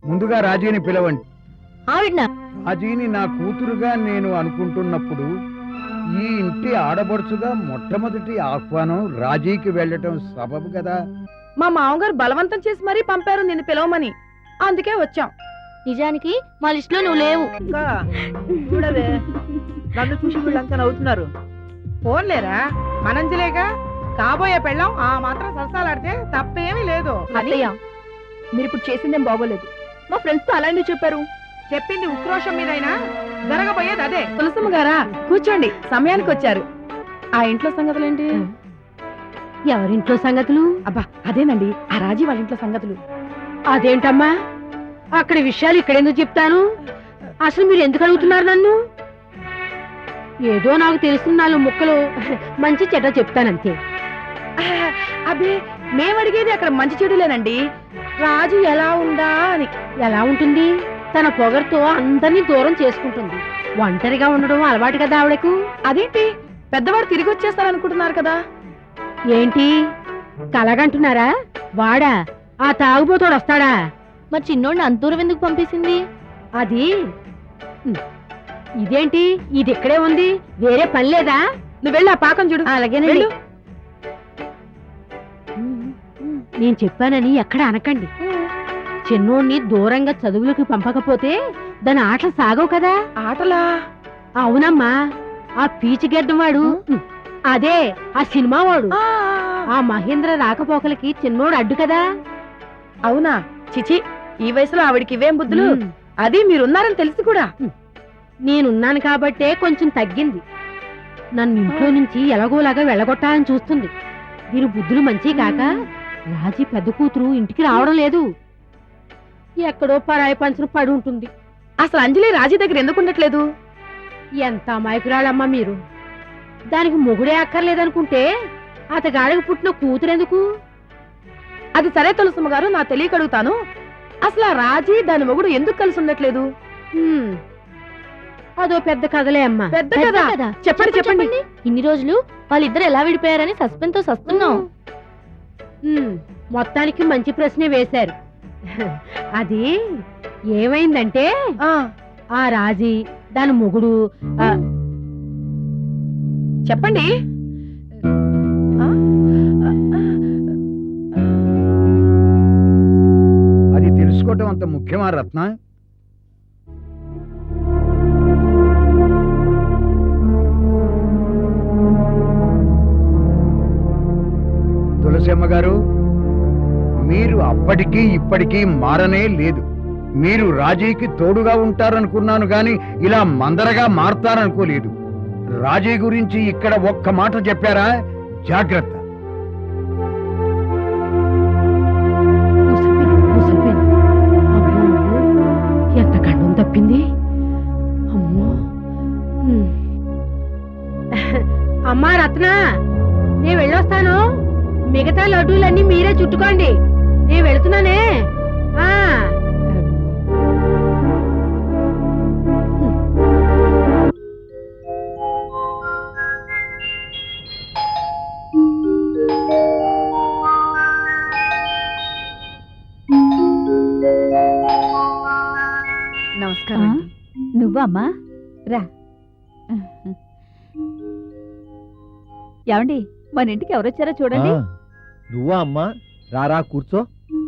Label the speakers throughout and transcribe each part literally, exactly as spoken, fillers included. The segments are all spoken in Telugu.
Speaker 1: ముందుగా రాజీని పిలవండి.
Speaker 2: ఆవిడనా?
Speaker 1: రాజీని నా కూతురుగా నేను అనుకుంటున్నప్పుడు ఈ ఇంటి ఆడపడుచుగా మొట్టమొదటి ఆహ్వానం రాజీకి వెళ్ళటం సబబు కదా.
Speaker 3: మా మామగారు బలవంతం చేసి మరీ పంపారు నిన్ను పిలవమని, అందుకే వచ్చాం.
Speaker 2: నిజానికి మా లిస్ట్ లో నువ్వు లేవు.
Speaker 3: చూడవే, నన్ను చూసి వీళ్ళంతా నవ్వుతున్నారు. ఫోన్లేరా మనంజలేగా, కాబోయే పెళ్ళం ఆ మాత్రం సరసాలాడితే తప్పేమీ లేదు.
Speaker 2: అత్తయ్య, మీరు ఇప్పుడు చేసిందేం బాగోలేదు. మా ఫ్రెండ్స్ తో అలాంటి చెప్పారు.
Speaker 3: చెప్పింది ఉక్రోషం మీదైనా జరగబోయేది అదే. తులసమ్మ గారా, కూర్చోండి, సమయానికి వచ్చారు. ఆ ఇంట్లో సంగతులేంటి?
Speaker 2: ఎవరింట్లో సంగతులు?
Speaker 3: అబ్బా అదేనండి, ఆ రాజీ వాళ్ళ ఇంట్లో సంగతులు.
Speaker 2: అదేంటమ్మా, అక్కడ విషయాలు ఇక్కడెందుకు చెప్తాను? అసలు మీరు ఎందుకు అడుగుతున్నారు నన్ను? ఏదో నాకు తెలుసున్న నాలుగు ముక్కలు మంచి చెడ్డ చెప్తానంతే.
Speaker 3: అబ్బే, మేమడిగేది అక్కడ మంచి చెడులేనండి. రాజు ఎలా ఉందా అని.
Speaker 2: ఎలా ఉంటుంది? తన పొగరుతో అందరినీ దూరం చేసుకుంటుంది. ఒంటరిగా ఉండడం అలవాటు కదా ఆవిడకు.
Speaker 3: అదేంటి, పెద్దవాడు తిరిగి వచ్చేస్తారనుకుంటున్నారు కదా.
Speaker 2: ఏంటి కలగంటున్నారా? వాడా, ఆ తాగుబోతోడు వస్తాడా?
Speaker 4: మరి చిన్నోడిని అంత దూరం ఎందుకు పంపేసింది?
Speaker 2: అది ఇదేంటి, ఇది ఇక్కడే ఉంది, వేరే పని లేదా?
Speaker 3: నువ్వు వెళ్ళి ఆ పాకం చూడు.
Speaker 2: అలాగేనండి. నేను చెప్పానని ఎక్కడ అనకండి. చిన్నోడిని దూరంగా చదువులకు పంపకపోతే దాని ఆటలు సాగవు కదా.
Speaker 3: ఆటలా?
Speaker 2: అవునమ్మా, ఆ పీచిగడ్డం వాడు, అదే ఆ సినిమా వాడు, ఆ మహేంద్ర రాకపోకలకి చిన్నోడు అడ్డు కదా.
Speaker 3: అవునా? చిచి, ఈ వయసులో ఆవిడికి ఇవేం బుద్ధులు. అది మీరున్నారని తెలిసి కూడా.
Speaker 2: నేనున్నాను కాబట్టే కొంచెం తగ్గింది. నన్ను ఇంట్లో నుంచి ఎలాగోలాగా వెళ్ళగొట్టాలని చూస్తుంది. దీని బుద్ధులు మంచి కాక రాజీ పెద్ద కూతురు ఇంటికి రావడం లేదు. ఎక్కడో పరాయి పంచను పడి ఉంటుంది.
Speaker 3: అసలు అంజలి రాజీ దగ్గర ఎందుకు ఉండట్లేదు?
Speaker 2: ఎంత అమాయకురాలమ్మా మీరు. దానికి మొగుడే అక్కర్లేదనుకుంటే అతగాడికి పుట్టిన కూతురెందుకు?
Speaker 3: అది సరే తులసమ్మ గారు, నా తెలియక అడుగుతాను, అసలు ఆ రాజీ దాని మొగుడు ఎందుకు కలిసి ఉండట్లేదు?
Speaker 2: అదో పెద్ద కథలే అమ్మా.
Speaker 3: పెద్ద కథ? చెప్పండి చెప్పండి.
Speaker 4: ఇన్ని రోజులు వాళ్ళిద్దరు ఎలా విడిపోయారని సస్పెన్స్ తో సస్తున్నాం.
Speaker 2: మొత్తానికి మంచి ప్రశ్నే వేశారు. అది ఏమైందంటే, ఆ రాజీ దాని మొగుడు.
Speaker 3: చెప్పండి.
Speaker 1: అది తెలుసుకోవటం అంత ముఖ్యమా రత్న? తులసమ్మ గారు, మీరు అప్పటికీ ఇప్పటికీ మారనే లేదు. మీరు రాజీకి తోడుగా ఉంటారనుకున్నాను గాని ఇలా మందరగా మారతారనుకోలేదు. రాజీ గురించి ఇక్కడ ఒక్క మాట చెప్పారా? జాగ్రత్త.
Speaker 2: ఎంత గండం తప్పింది. అమ్మో. అమ్మా రత్న, నేను వెళ్ళొస్తాను. మిగతా లడ్డూలన్నీ మీరే చుట్టుకోండి. నేను వెళుతున్నానే.
Speaker 3: నమస్కారం.
Speaker 4: నువ్వా అమ్మా? రా. ఏమండి, మన ఇంటికి ఎవరొచ్చారో చూడండి.
Speaker 5: నువ్వా అమ్మా? రారా కూర్చో.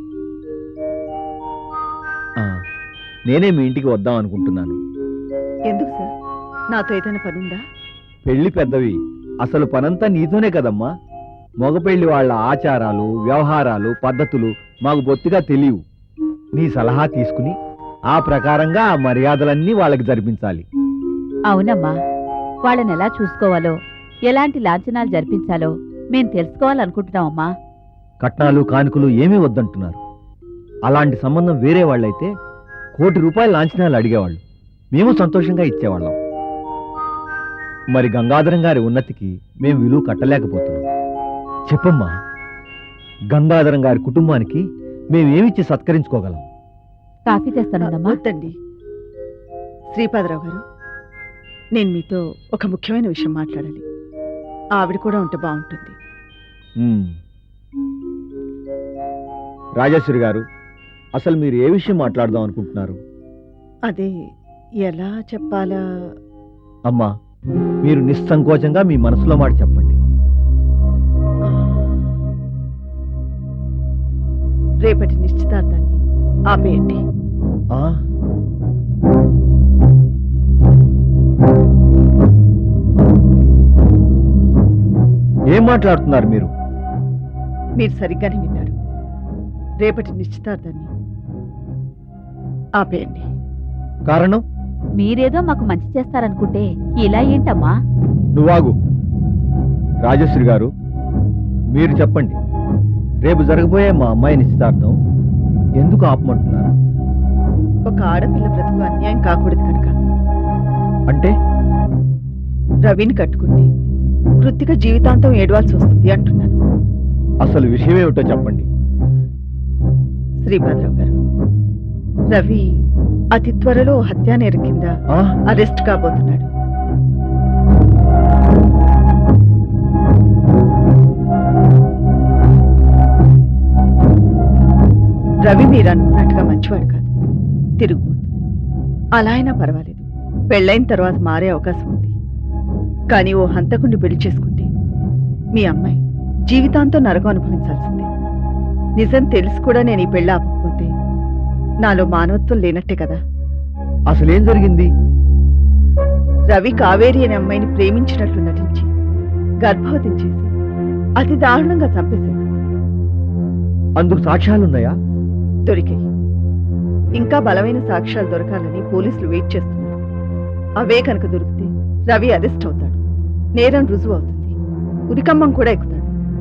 Speaker 5: నేనే మీ ఇంటికి వద్దాం అనుకుంటున్నాను.
Speaker 3: ఎందుకు సార్? నాతో ఏదైనా పనుందా?
Speaker 5: పెళ్లి పెద్దవి, అసలు పనంతా నీతోనే కదమ్మా. మగ పెళ్లి వాళ్ళ ఆచారాలు, వ్యవహారాలు, పద్ధతులు మాకు బొత్తిగా తెలియవు. నీ సలహా తీసుకుని ఆ ప్రకారంగా ఆ మర్యాదలన్నీ వాళ్ళకి జరిపించాలి.
Speaker 4: అవునమ్మా, వాళ్ళని ఎలా చూసుకోవాలో, ఎలాంటి లాంఛనాలు జరిపించాలో మేం తెలుసుకోవాలనుకుంటున్నామమ్మా.
Speaker 5: కట్నాలు కానుకలు ఏమీ వద్దంటున్నారు. అలాంటి సంబంధం వేరే వాళ్ళైతే కోటి రూపాయల లాంఛనాలు అడిగేవాళ్ళు, మేము సంతోషంగా ఇచ్చేవాళ్ళం. మరి గంగాధరం గారి ఉన్నతికి మేము విలువ కట్టలేకపోతున్నాం. చెప్పమ్మా, గంగాధరం గారి కుటుంబానికి మేమేమిచ్చి సత్కరించుకోగలం?
Speaker 4: కాఫీ తెస్తానమ్మా.
Speaker 3: వద్దండి శ్రీపాదరావు గారు, నేను మీతో ఒక ముఖ్యమైన విషయం మాట్లాడాలి. ఆవిడ కూడా ఉంటే బాగుంటుంది.
Speaker 5: రాజేశ్వరి గారు, అసలు మీరు ఏ విషయం మాట్లాడదాం అనుకుంటున్నారు?
Speaker 3: అదే ఎలా చెప్పాలా?
Speaker 5: అమ్మా, మీరు నిస్సంకోచంగా మీ మనసులో మాట చెప్పండి.
Speaker 3: రేపటి నిశ్చితార్థాన్ని ఆపేయండి.
Speaker 5: ఆ? ఏం మాట్లాడుతున్నారు మీరు?
Speaker 3: మీరు సరిగ్గానే విన్నారు. రేపటి నిశ్చితార్థాన్ని ఆపేయండి.
Speaker 5: కారణం?
Speaker 4: మీరేదో మాకు మంచి చేస్తారనుకుంటే ఇలా ఏంటమ్మా?
Speaker 5: నువ్వాగు. రాజశ్రీ గారు, మీరు చెప్పండి. రేపు జరగబోయే మా అమ్మాయి నిశ్చితార్థం ఎందుకు ఆపమంటున్నారు?
Speaker 3: ఒక ఆడపిల్ల బ్రతుకు అన్యాయం కాకూడదు కనుక.
Speaker 5: అంటే
Speaker 3: రవిని కట్టుకుంటే కృత్తిక జీవితాంతం ఏడవాల్సి వస్తుంది అంటున్నాను.
Speaker 5: అసలు విషయం ఏమిటో చెప్పండి.
Speaker 3: శ్రీపాదరావు గారు, రవి అతి త్వరలో హత్యా నేరం కింద
Speaker 5: ఆ?
Speaker 3: అరెస్ట్ కాబోతున్నాడు. రవి మీరు అనుకున్నట్టుగా మంచివాడు కాదు, తిరుగుబోతు. అలా అయినా పర్వాలేదు, పెళ్ళైన తర్వాత మారే అవకాశం ఉంది. కానీ ఓ హంతకుణ్ణి పెళ్లి చేసుకుంటే మీ అమ్మాయి జీవితాంతం నరకం అనుభవించాల్సిందే. నిజం తెలిసి కూడా నేను ఈ పెళ్ళి ఆపకపోతే నాలో మానవత్వం లేనట్టే కదా.
Speaker 5: అసలేం జరిగింది?
Speaker 3: రవి కావేరి అనే అమ్మాయిని ప్రేమించినట్లు నటించి గర్భవతిని చేసి అతి దారుణంగా చంపేశాడు.
Speaker 5: అందుకు సాక్ష్యాలున్నాయా?
Speaker 3: దొరికాయి. ఇంకా బలమైన సాక్ష్యాలు దొరకాలని పోలీసులు వెయిట్ చేస్తున్నారు. అవే కనుక దొరికితే రవి అరెస్ట్ అవుతాడు, నేరం రుజువు అవుతుంది, ఉరికమ్మం కూడా ఎక్కుతాడు.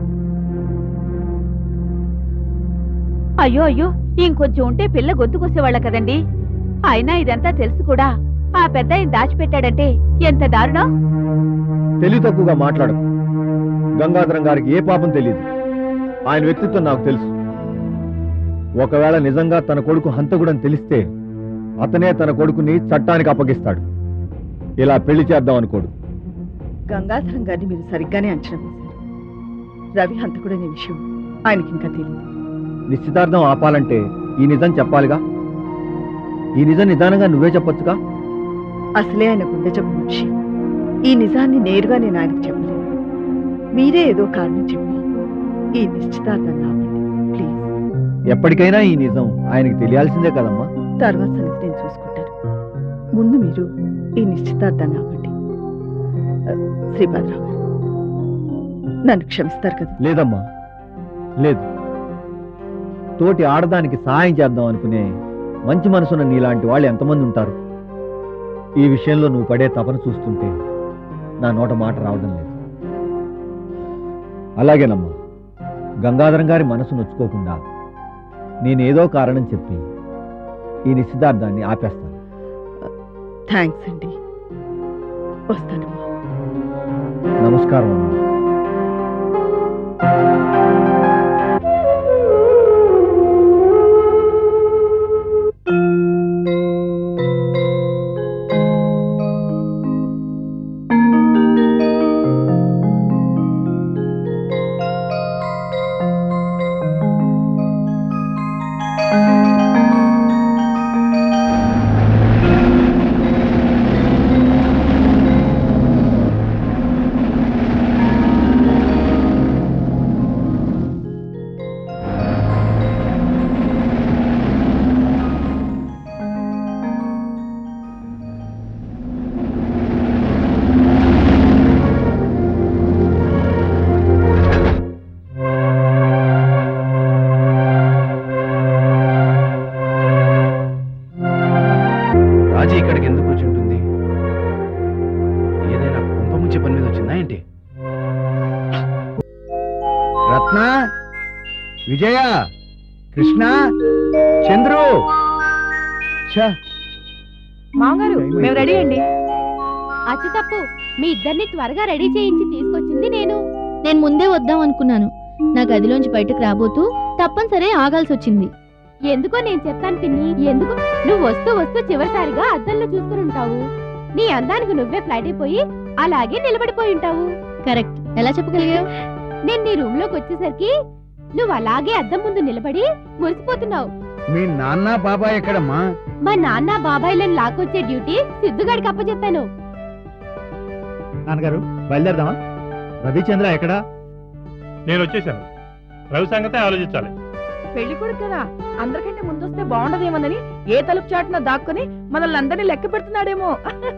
Speaker 4: అయ్యో అయ్యో, ఇంకొంచెం ఉంటే పిల్ల గొంతుకొసేవాళ్ళ కదండి. అయినా ఇదంతా తెలుసు కూడా ఆ పెద్ద ఆయన దాచిపెట్టాడంటే ఎంత దారుణం.
Speaker 5: తెలివి తక్కువగా మాట్లాడకు. గంగాధరం గారికి ఏ పాపం తెలియదు. ఆయన వ్యక్తిత్వం నాకు తెలుసు. ఒకవేళ నిజంగా తన కొడుకు హంతకుడని తెలిస్తే అతనే తన కొడుకుని చట్టానికి అప్పగిస్తాడు. ఇలా పెళ్లి చేద్దాం అనుకోడు.
Speaker 3: గంగాధరం గారిని మీరు సరిగ్గానే అంచనా వేశారు. రవి హంతకుడనే విషయం ఆయనకి ఇంకా తెలియదు.
Speaker 5: నిశ్చితార్థం ఆపాలంటే ఈ నిజం చెప్పాలిగా. ఈ నిజం నిదానంగా నువ్వే చెప్పొచ్చుగా.
Speaker 3: అసలే ఆయన గుండె జబ్బు మనిషి. ఈ నిజాన్ని నేరుగా నేను ఆయనకు చెప్పలేను. మీరే ఏదో కారణం చెప్పి ఈ నిశ్చితార్థాన్ని ఆపండి ప్లీజ్.
Speaker 5: ఎప్పటికైనా ఈ నిజం ఆయనకి తెలియాల్సిందే కదమ్మా.
Speaker 3: తర్వాత సంగతి నేను చూసుకుంటాను. ముందు మీరు ఈ నిశ్చితార్థాన్ని ఆపండి. ఆ, శ్రీపాదరావు గారు, నన్ను క్షమిస్తారు కదా?
Speaker 5: లేదమ్మా, లేదు. తోటి ఆడదానికి సహాయం చేద్దాం అనుకునే మంచి మనసున్న నీలాంటి వాళ్ళు ఎంతమంది ఉంటారు? ఈ విషయంలో నువ్వు పడే తపన చూస్తుంటే నా నోట మాట రావడం లేదు. అలాగేనమ్మా, గంగాధరం గారి మనసు నొచ్చుకోకుండా నేనేదో కారణం చెప్పి ఈ నిశ్చితార్థాన్ని ఆపేస్తాను.
Speaker 3: థ్యాంక్స్ అండి. వస్తానమ్మా.
Speaker 5: నమస్కారం అమ్మా.
Speaker 6: రాజీ ఇక్కడికి ఎందుకు వచ్చి ఉంటుంది? ఏదైనా కుంప ముంచే పని మీద వచ్చిందా ఏంటి?
Speaker 1: రత్న, విజయ, కృష్ణ, చంద్రు. ఛ,
Speaker 2: మామగారు, మేము రెడీ అండి.
Speaker 4: అచ్చి తప్పు, మీ ఇద్దరిని త్వరగా రెడీ చేయించి తీసుకొచ్చింది నేను. నేను ముందే వద్దాం అనుకున్నాను. నా గదిలోంచి బయటకు రాబోతూ తప్పనిసరి ఆగాల్సి వచ్చింది. ఎందుకో నేను చెప్తాను పిన్ని. ఎందుకు? నువ్వు వస్తూ వస్తూ చివరిసారిగా అద్దంలో చూసుకుని ఉంటావు. నీ అందానికి నువ్వే ఫ్లైట్ అయిపోయి అలాగే నిలబడిపోయి ఉంటావు. కరెక్ట్. ఎలా చెప్పగలిగావు? నేను నీ రూమ్ లోకి వచ్చేసరికి నువ్వు అలాగే అద్దం ముందు నిలబడి మురిసిపోతున్నావు.
Speaker 1: మీ నాన్న బాబాయ్ ఎక్కడమ్మా?
Speaker 4: మా నాన్న బాబాయ్లను లాక్కొచ్చే డ్యూటీ సిద్ధుగాడికి అప్పచెప్పాను.
Speaker 5: నాన్నగారు బయలుదేరదామా? రవిచంద్ర ఎక్కడా?
Speaker 7: నేను వచ్చేసాను. రవి సంగతే ఆలోచించాలి.
Speaker 3: పెళ్లి కొడుకు కదా, అందరికంటే ముందొస్తే బాగుండదేమోనని ఏ తలుపు చాటున దాక్కుని మనల్ని అందరినీ లెక్క పెడుతున్నాడేమో.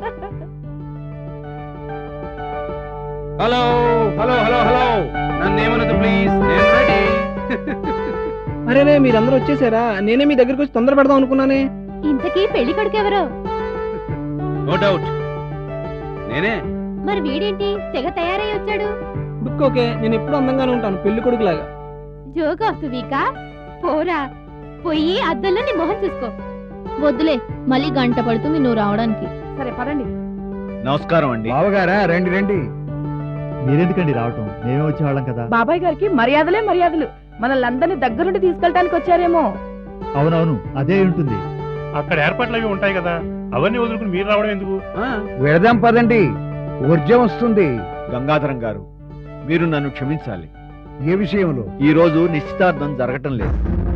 Speaker 6: హలో హలో హలో హలో నన్ను ఏమనదు ప్లీజ్, నేను రెడీ.
Speaker 8: అరేరే మీరందరూ వచ్చేసారా? నేనే మీ దగ్గరికి వచ్చి తొందర పెడదాం అనుకున్నానే.
Speaker 4: ఇంతకీ పెళ్లి కొడుకు ఎవరు?
Speaker 6: నో డౌట్ నేనే.
Speaker 4: మరి వీడేంటి తెగ తయారై వచ్చాడు?
Speaker 8: ఉడుక్కోకే, నేను ఎప్పుడు అందంగానే ఉంటాను పెళ్లి కొడుకులాగా.
Speaker 4: జోక్ ఆఫ్ ది వీకా? పోరా, పోయి అద్దంలో నీ మొహం చూసుకో. వద్దులే, మళ్ళీ గంట పడుతుంది నువ్వు రావడానికి.
Speaker 3: సరే పదండి.
Speaker 5: నమస్కారం అండి.
Speaker 1: బావగారా, రండి రండి.
Speaker 5: మీరెందుకండి రావటం? మేమే వచ్చేవాళ్ళం కదా.
Speaker 3: బాబాయ్ గారికి మర్యాదలే మర్యాదలు. మనల్ని అందరినీ దగ్గరుండి తీసుకెళ్ళడానికి వచ్చారేమో.
Speaker 5: అవునవును, అదే ఉంటుంది.
Speaker 7: అక్కడ ఏర్పాట్లు అవి ఉంటాయి కదా, అవన్నీ వదులుకుని మీరు రావడం ఎందుకు?
Speaker 1: వెళదాం పదండి, ఊర్జం వస్తుంది.
Speaker 5: గంగాధరం గారు, మీరు నన్ను క్షమించాలి.
Speaker 1: ఏ విషయంలో?
Speaker 5: ఈ రోజు నిశ్చితార్థం జరగటం లేదు.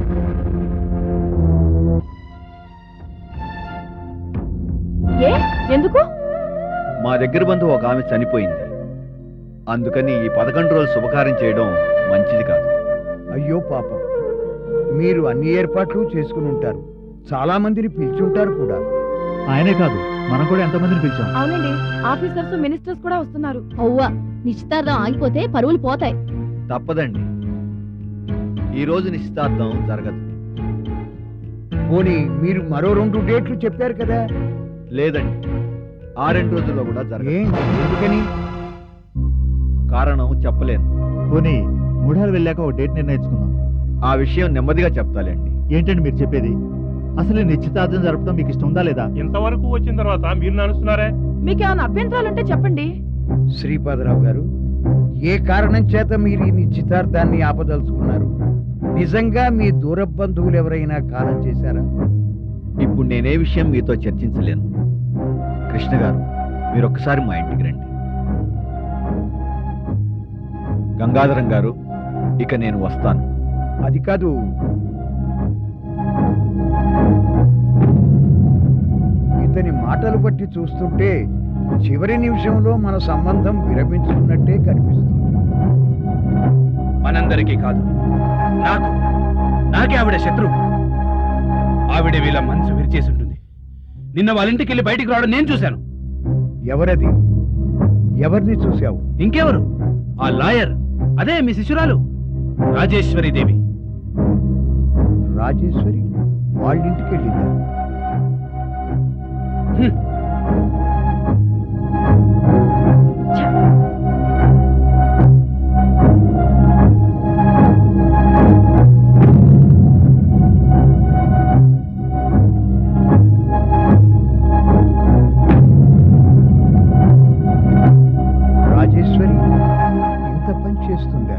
Speaker 3: ఏ ఎందుకు?
Speaker 5: మా దగ్గర బంధువు ఒక ఆమె చనిపోయింది. అందుకని ఈ పదకొండు రోజులు శుభకార్యం చేయడం మంచిది కాదు.
Speaker 1: అయ్యో పాపం, మీరు అన్ని ఏర్పాట్లు చేసుకుని ఉంటారు, చాలా మందిని పిలిచుంటారు కూడా.
Speaker 5: ఆయనే కాదు, మనం కూడా ఎంతమందిని పిలిచాం.
Speaker 3: అవునండి, ఆఫీసర్స్ మినిస్టర్స్ కూడా వస్తున్నారు.
Speaker 4: అవ్వా, నిశ్చితార్థం ఆగిపోతే పరువులు పోతాయి.
Speaker 5: తప్పదండి, ఈ రోజు నిశ్చితార్థం జరగదు.
Speaker 1: పోనీ మీరు మరో రెండు డేట్లు చెప్పారు కదా?
Speaker 5: లేదండి, ఆ రెండు రోజుల్లో కూడా జరగదు.
Speaker 1: ఏ ఎందుకని?
Speaker 5: కారణం చెప్పలేను. పోనీ మూడాలు వెళ్ళాక ఒక డేట్ నిర్ణయించుకుందాం. ఆ విషయం నెమ్మదిగా చెప్తాలేండి. ఏంటండి మీరు చెప్పేది? అసలు నిశ్చితార్థం జరపడం మీకు ఇష్టం ఉందా లేదా?
Speaker 7: ఇంతవరకు వచ్చిన తర్వాత మీరు నడుస్తున్నారే.
Speaker 3: మీకేమైనా అభ్యంతరాలుంటే చెప్పండి.
Speaker 1: శ్రీపాదరావు గారు, ఏ కారణం చేత మీరు ఈ నిశ్చితార్థాన్ని ఆపదలుచుకున్నారు? నిజంగా మీ దూర బంధువులు ఎవరైనా కాలం చేశారా?
Speaker 5: ఇప్పుడు నేనే విషయం మీతో చర్చించలేను. కృష్ణ గారు, మీరు ఒక్కసారి మా ఇంటికి రండి. గంగాధరం గారు, ఇక నేను వస్తాను.
Speaker 1: అది కాదు, ఇతని మాటలు బట్టి చూస్తుంటే చివరి నిమిషంలో మన సంబంధం విరమించుకున్నట్టే కనిపిస్తుంది.
Speaker 6: మనందరికీ కాదు, నాకు నాకే ఆవిడ శత్రువు. ఆవిడ వీళ్ళ మనసు విరిచేసి ఉంటుంది. నిన్న వాళ్ళ ఇంటికి వెళ్ళి బయటికి రావడం నేను చూశాను.
Speaker 1: ఎవరది? ఎవరిని చూశావు?
Speaker 6: ఇంకెవరు? ఆ లాయర్, అదే మీ శిశురాలు రాజేశ్వరి దేవి.
Speaker 1: రాజేశ్వరి వాళ్ళింటికి వెళ్ళిందా?
Speaker 6: హ్మ్.
Speaker 1: రాజేశ్వరి ఇంత పని చేస్తుందా?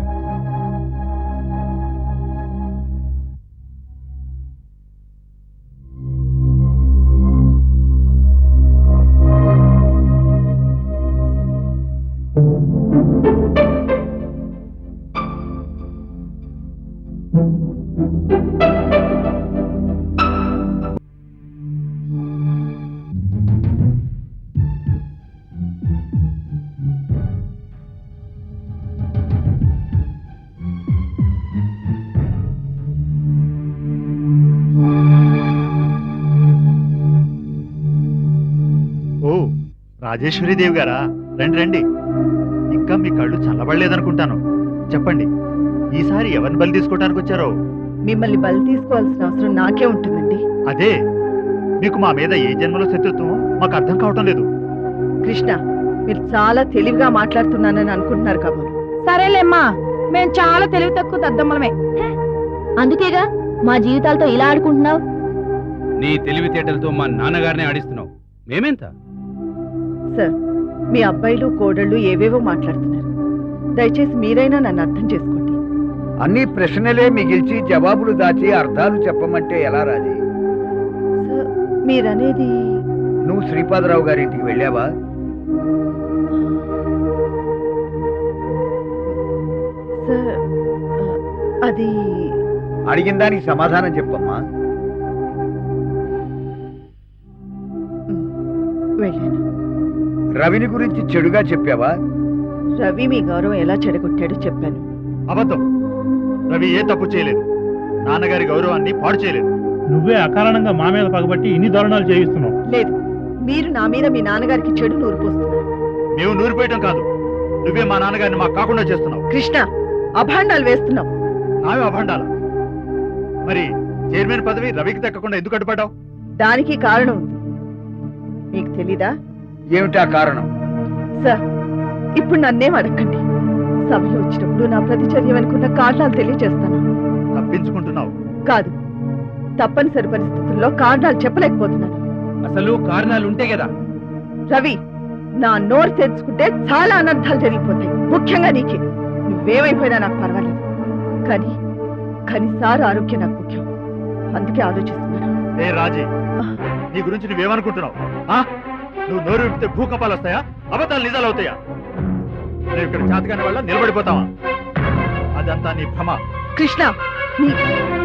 Speaker 5: ఓ, రాజేశ్వరి దేవి గారా, రండి రండి. ఇంకా మీ కళ్ళు చల్లబడలేదనుకుంటాను. చెప్పండి, ఈసారి ఎవరిని బలి తీసుకోవడానికి వచ్చారో?
Speaker 3: మిమ్మల్ని బలి తీసుకోవాల్సిన అవసరం నాకే ఉంటుందండి.
Speaker 5: అదే, మీకు మా మీద ఏ జన్మలో శత్రుత్వం మాకు అర్థం కావటం లేదు.
Speaker 3: కృష్ణ, మీరు చాలా తెలివిగా మాట్లాడుతున్నానని అనుకుంటున్నారు కాబోలు.
Speaker 2: సరేలేమ్మా, మేం చాలా తెలివి తక్కువ దద్దమ్మలమే.
Speaker 4: అందుకేగా మా జీవితాలతో ఇలా ఆడుకుంటున్నావు.
Speaker 6: నీ తెలివితేటలతో మా నాన్నగారిని ఆడిస్తున్నావు. మేమెంత?
Speaker 3: సార్, మీ అబ్బాయిలు కోడళ్ళు ఏవేవో మాట్లాడుతున్నారు. దయచేసి మీరైనా నన్ను అర్థం చేసుకోండి.
Speaker 1: అన్ని ప్రశ్నలే మిగిల్చి జవాబులు దాచి అర్థాలు చెప్పమంటే ఎలా రాజీ?
Speaker 3: సార్, మీరనేది
Speaker 1: నువ్వు శ్రీపాదరావు గారింటికి వెళ్ళావా?
Speaker 3: సార్, అది
Speaker 1: అడిగిన దానికి సమాధానం చెప్పమ్మా.
Speaker 3: వెళ్ళాను.
Speaker 1: రవిని గురించి చెడుగా చెప్పావా?
Speaker 3: రవి మీ గౌరవం ఎలా చెడగొట్టాడో చెప్పాను.
Speaker 5: అబద్ధం. రవి ఏ తప్పు చేయలేదు. నాన్నగారి గౌరవాన్ని పాడు చేయలేదు.
Speaker 7: నువ్వే అకారణంగా మా మీద పగబట్టి ఇన్ని దారుణాలు చేయిస్తున్నావు.
Speaker 3: లేదు, మీరు నా మీద మీ నాన్నగారికి చెడు నూరిపోస్తున్నారు.
Speaker 5: మేము నూరిపోయటం కాదు, నువ్వే మా నాన్నగారిని మాకు కాకుండా చేస్తున్నావు.
Speaker 3: కృష్ణ, అభాండాలు వేస్తున్నావు.
Speaker 5: నావే అభండాల. మరి చైర్మన్ పదవి రవికి దక్కకుండా ఎందుకు అడ్డుపడ్డావు?
Speaker 3: దానికి కారణం ఉంది. మీకు తెలీదా?
Speaker 1: ఏమిటా కారణం?
Speaker 3: సార్, ఇప్పుడు నన్నేం అడగండి. సమయం వచ్చినప్పుడు నా ప్రతిచర్య వెనుకున్న కారణాలు తెలియజేస్తాను.
Speaker 5: తప్పించుకుంటున్నావు.
Speaker 3: కాదు, తప్పనిసరి పరిస్థితుల్లో కారణాలు చెప్పలేకపోతున్నాను.
Speaker 6: అసలు కారణాలు ఉంటే కదా.
Speaker 3: రవి, నా నోరు తెరుచుకుంటే చాలా అనర్థాలు జరిగిపోతాయి. ముఖ్యంగా నీకే. నువ్వేమైపోయినా నాకు పర్వాలేదు, కానీ కానీ సార్ ఆరోగ్యం నాకు ముఖ్యం. అందుకే ఆలోచిస్తున్నాను.
Speaker 5: ఏ రాజీ, నీ గురించి నువ్వేమనుకుంటున్నావు? ఆ? నువ్వు నోరు విప్పితే భూకంపాలు వస్తాయా? అబద్ధాలు నిజాలు అవుతాయా? నువ్వు ఇక్కడ చేతకాని వల్ల నిలబడిపోతావా? అదంతా నీ భ్రమ.
Speaker 3: కృష్ణ, నీ